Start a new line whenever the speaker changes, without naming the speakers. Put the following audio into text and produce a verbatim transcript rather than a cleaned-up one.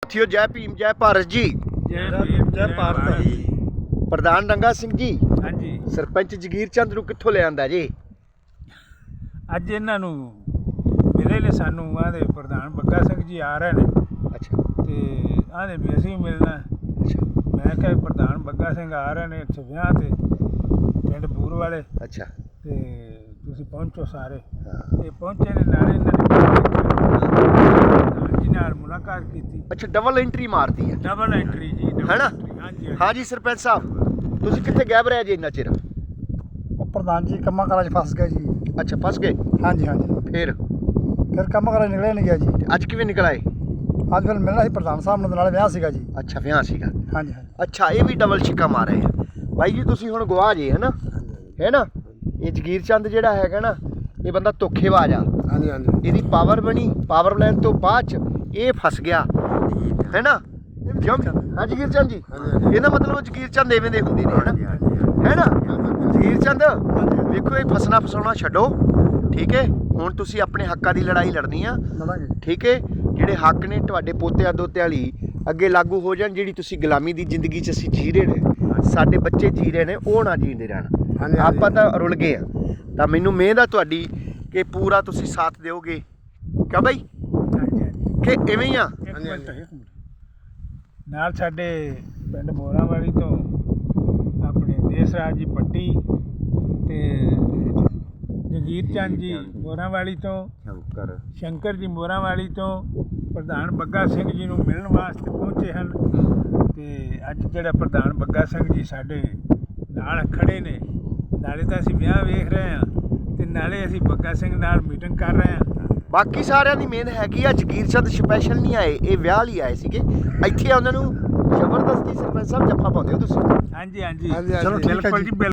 ਸਾਥੀਓ ਜੈ ਭੀਮ ਜੈ ਭਾਰਤ ਜੀ।
ਜੈ ਭੀਮ ਜੈ ਭਾਰਤ ਜੀ।
ਪ੍ਰਧਾਨ ਰੰਗਾ ਸਿੰਘ ਜੀ,
ਹਾਂਜੀ,
ਸਰਪੰਚ ਜਗੀਰ ਚੰਦ ਨੂੰ ਕਿੱਥੋਂ ਲੈ ਆਂਦਾ ਜੀ?
ਅੱਜ ਇਹਨਾਂ ਨੂੰ ਮਿਲੇ ਨੇ ਸਾਨੂੰ ਆਦੇ ਪ੍ਰਧਾਨ ਬੱਗਾ ਸਿੰਘ ਜੀ ਆ ਰਹੇ ਨੇ।
ਅੱਛਾ
ਤੇ ਆਦੇ ਵੀ ਅਸੀਂ ਮਿਲਣਾ।
ਅੱਛਾ
ਮੈਂ ਕਿਹਾ ਪ੍ਰਧਾਨ ਬੱਗਾ ਸਿੰਘ ਆ ਰਹੇ ਨੇ ਇੱਥੇ ਵਿਆਹ ਤੇ ਪਿੰਡ ਬੂਰ ਵਾਲੇ,
ਅੱਛਾ
ਤੇ ਤੁਸੀਂ ਪਹੁੰਚੋ ਸਾਰੇ।
ਹਾਂ।
ਇਹ ਪਹੁੰਚੇ ਨੇ, ਨਾਲੇ ਇਹਨਾਂ ਨੇ ਜੀ ਨਾਲ ਮੁਲਾਕਾਤ ਕੀਤੀ।
ਅੱਛਾ ਡਬਲ ਐਂਟਰੀ ਮਾਰਦੀ ਹੈ
ਡਬਲ ਐਂਟਰੀ ਜੀ, double
ਹੈ ਨਾ?
entry, ਹਾਂਜੀ
ਹਾਂ ਜੀ ਸਰਪੰਚ ਸਾਹਿਬ, ਤੁਸੀਂ ਕਿੱਥੇ ਗਾਇਬ ਰਹੇ ਜੀ ਇੰਨਾ ਚਿਰ?
ਉਹ ਪ੍ਰਧਾਨ ਜੀ ਕੰਮਾਂ ਕਾਰਾਂ 'ਚ ਫਸ ਗਏ ਜੀ।
ਅੱਛਾ ਫਸ ਗਏ,
ਹਾਂਜੀ ਹਾਂਜੀ,
ਫਿਰ
ਫਿਰ ਕੰਮ ਕਾਰਾਂ ਨਿਕਲਿਆ ਨਹੀਂ ਗਿਆ ਜੀ।
ਤੇ ਅੱਜ ਕਿਵੇਂ ਨਿਕਲ ਆਏ?
ਅੱਜ ਫਿਰ ਮਿਲਣਾ ਸੀ ਪ੍ਰਧਾਨ ਸਾਹਿਬ ਨੂੰ, ਨਾਲ ਵਿਆਹ ਸੀਗਾ ਜੀ।
ਅੱਛਾ ਵਿਆਹ ਸੀਗਾ।
ਹਾਂਜੀ ਹਾਂਜੀ।
ਅੱਛਾ ਇਹ ਵੀ ਡਬਲ ਛਿੱਕਾ ਮਾਰ ਰਹੇ ਆ ਬਾਈ ਜੀ। ਤੁਸੀਂ ਹੁਣ ਗਵਾਹ ਜੇ ਹੈ ਨਾ, ਹੈ ਨਾ? ਇਹ ਜਗੀਰ ਚੰਦ ਜਿਹੜਾ ਹੈਗਾ ਨਾ, ਇਹ ਬੰਦਾ ਧੋਖੇਬਾਜ਼ ਆ।
ਹਾਂਜੀ ਹਾਂਜੀ।
ਇਹਦੀ ਪਾਵਰ ਬਣੀ, ਪਾਵਰ ਲੈਣ ਤੋਂ ਬਾਅਦ ਚ ਇਹ ਫਸ ਗਿਆ, ਹੈ ਨਾ? ਜਮ ਹਾਂ ਜਗੀਰ ਚੰਦ ਜੀ, ਇਹਦਾ ਮਤਲਬ ਜਗੀਰ ਚੰਦ ਐਵੇਂ ਦੇ ਹੁੰਦੇ ਨੇ, ਹੈ ਨਾ? ਹੈ ਨਾ ਜਗੀਰ ਚੰਦ? ਵੇਖੋ ਇਹ ਫਸਣਾ ਫਸਾਉਣਾ ਛੱਡੋ, ਠੀਕ ਹੈ? ਹੁਣ ਤੁਸੀਂ ਆਪਣੇ ਹੱਕਾਂ ਦੀ ਲੜਾਈ ਲੜਨੀ ਆ,
ਲੜਾਂਗੇ।
ਠੀਕ ਹੈ? ਜਿਹੜੇ ਹੱਕ ਨੇ ਤੁਹਾਡੇ ਪੋਤਿਆਂ ਦੋਤਿਆਂ ਲਈ ਅੱਗੇ ਲਾਗੂ ਹੋ ਜਾਣ। ਜਿਹੜੀ ਤੁਸੀਂ ਗੁਲਾਮੀ ਦੀ ਜ਼ਿੰਦਗੀ 'ਚ ਅਸੀਂ ਜੀ ਰਹੇ ਨੇ, ਸਾਡੇ ਬੱਚੇ ਜੀ ਰਹੇ ਨੇ, ਉਹ ਨਾ ਜੀਂਦੇ ਰਹਿਣ। ਆਪਾਂ ਤਾਂ ਰੁਲ ਗਏ ਆ। ਤਾਂ ਮੈਨੂੰ ਮਿਹਨਤ ਆ ਤੁਹਾਡੀ ਕਿ ਪੂਰਾ ਤੁਸੀਂ ਸਾਥ ਦਿਓਗੇ, ਕਿਉਂ ਬਾਈ?
ਹਾਂਜੀ ਹਾਂਜੀ।
ਕਿ ਐਵੇਂ ਹੀ ਆ?
ਇੱਕ ਮਿੰਟ, ਇੱਕ ਮਿੰਟ। ਨਾਲ ਸਾਡੇ ਪਿੰਡ ਮੋਰਾਂ ਵਾਲੀ ਤੋਂ ਆਪਣੇ ਦੇਸ ਰਾਜ ਜੀ ਪੱਟੀ ਤੇ ਜਗੀਰ ਚੰਦ ਜੀ ਮੋਰਾਂ ਵਾਲੀ ਤੋਂ,
ਸ਼ੰਕਰ
ਸ਼ੰਕਰ ਜੀ ਮੋਰਾਂ ਵਾਲੀ ਤੋਂ ਪ੍ਰਧਾਨ ਬੱਗਾ ਸਿੰਘ ਜੀ ਨੂੰ ਮਿਲਣ ਵਾਸਤੇ ਪਹੁੰਚੇ ਹਨ। ਤੇ ਅੱਜ ਜਿਹੜਾ ਪ੍ਰਧਾਨ ਬੱਗਾ ਸਿੰਘ ਜੀ ਸਾਡੇ ਨਾਲ ਖੜੇ ਨੇ, ਨਾਲੇ ਤਾਂ ਅਸੀਂ ਵਿਆਹ ਵੇਖ ਰਹੇ ਹਾਂ ਤੇ ਨਾਲੇ ਅਸੀਂ ਬੱਗਾ ਸਿੰਘ ਨਾਲ ਮੀਟਿੰਗ ਕਰ ਰਹੇ ਹਾਂ।
ਬਾਕੀ ਸਾਰਿਆਂ ਦੀ ਮਿਹਨਤ ਹੈਗੀ ਆ। ਜਗੀਰ ਚੰਦ ਸਪੈਸ਼ਲ ਨਹੀਂ ਆਏ, ਇਹ ਵਿਆਹ ਲਈ ਆਏ ਸੀਗੇ। ਇੱਥੇ ਉਹਨਾਂ ਨੂੰ ਜ਼ਬਰਦਸਤੀ ਸਰਪੰਚ ਸਾਹਿਬ ਜੱਫਾ ਪਾਉਂਦੇ ਹੋ ਤੁਸੀਂ।
ਹਾਂਜੀ ਹਾਂਜੀ,
ਹਾਂਜੀ, ਹਾਂਜੀ।
ਬਿਲਕੁਲ ਜੀ।